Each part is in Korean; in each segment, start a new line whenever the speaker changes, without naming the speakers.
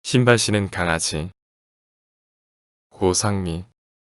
신발 신은 강아지. 고상미.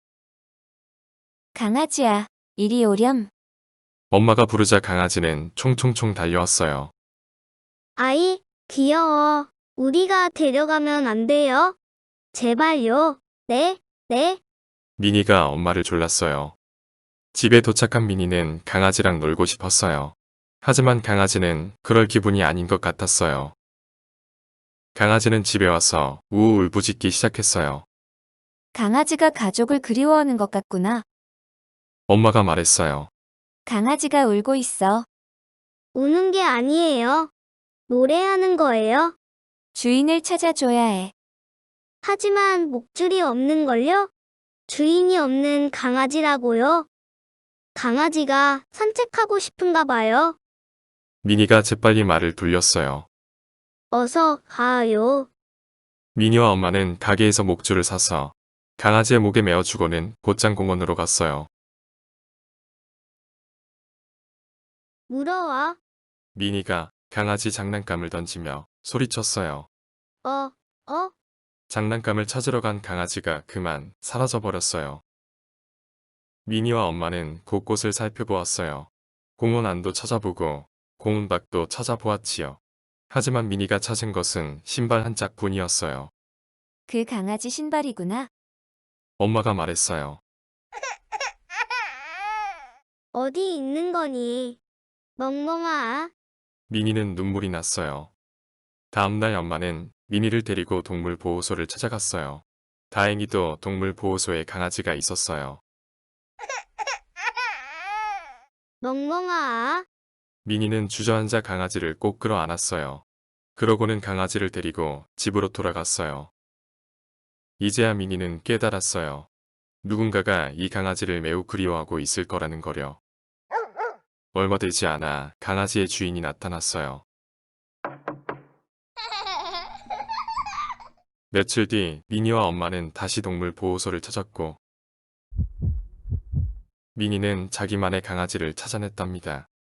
강아지야, 이리 오렴.
엄마가 부르자 강아지는 총총총 달려왔어요.
아이, 귀여워. 우리가 데려가면 안 돼요? 제발요. 네, 네.
미니가 엄마를 졸랐어요. 집에 도착한 미니는 강아지랑 놀고 싶었어요. 하지만 강아지는 그럴 기분이 아닌 것 같았어요. 강아지는 집에 와서 우우 울부짖기 시작했어요.
강아지가 가족을 그리워하는 것 같구나.
엄마가 말했어요.
강아지가 울고 있어.
우는 게 아니에요. 노래하는 거예요.
주인을 찾아줘야 해.
하지만 목줄이 없는걸요? 주인이 없는 강아지라고요? 강아지가 산책하고 싶은가 봐요.
미니가 재빨리 말을 돌렸어요.
어서 가요.
미니와 엄마는 가게에서 목줄을 사서 강아지의 목에 메어주고는 곧장 공원으로 갔어요.
물어와.
미니가 강아지 장난감을 던지며 소리쳤어요.
어, 어?
장난감을 찾으러 간 강아지가 그만 사라져버렸어요. 미니와 엄마는 곳곳을 살펴보았어요. 공원 안도 찾아보고 공원 밖도 찾아보았지요. 하지만 미니가 찾은 것은 신발 한 짝뿐이었어요.
그 강아지 신발이구나.
엄마가 말했어요.
어디 있는 거니? 멍멍아.
미니는 눈물이 났어요. 다음날 엄마는 미니를 데리고 동물보호소를 찾아갔어요. 다행히도 동물보호소에 강아지가 있었어요.
멍멍아.
미니는 주저앉아 강아지를 꼭 끌어안았어요. 그러고는 강아지를 데리고 집으로 돌아갔어요. 이제야 미니는 깨달았어요. 누군가가 이 강아지를 매우 그리워하고 있을 거라는 거려. 얼마 되지 않아 강아지의 주인이 나타났어요. 며칠 뒤 미니와 엄마는 다시 동물보호소를 찾았고 미니는 자기만의 강아지를 찾아냈답니다.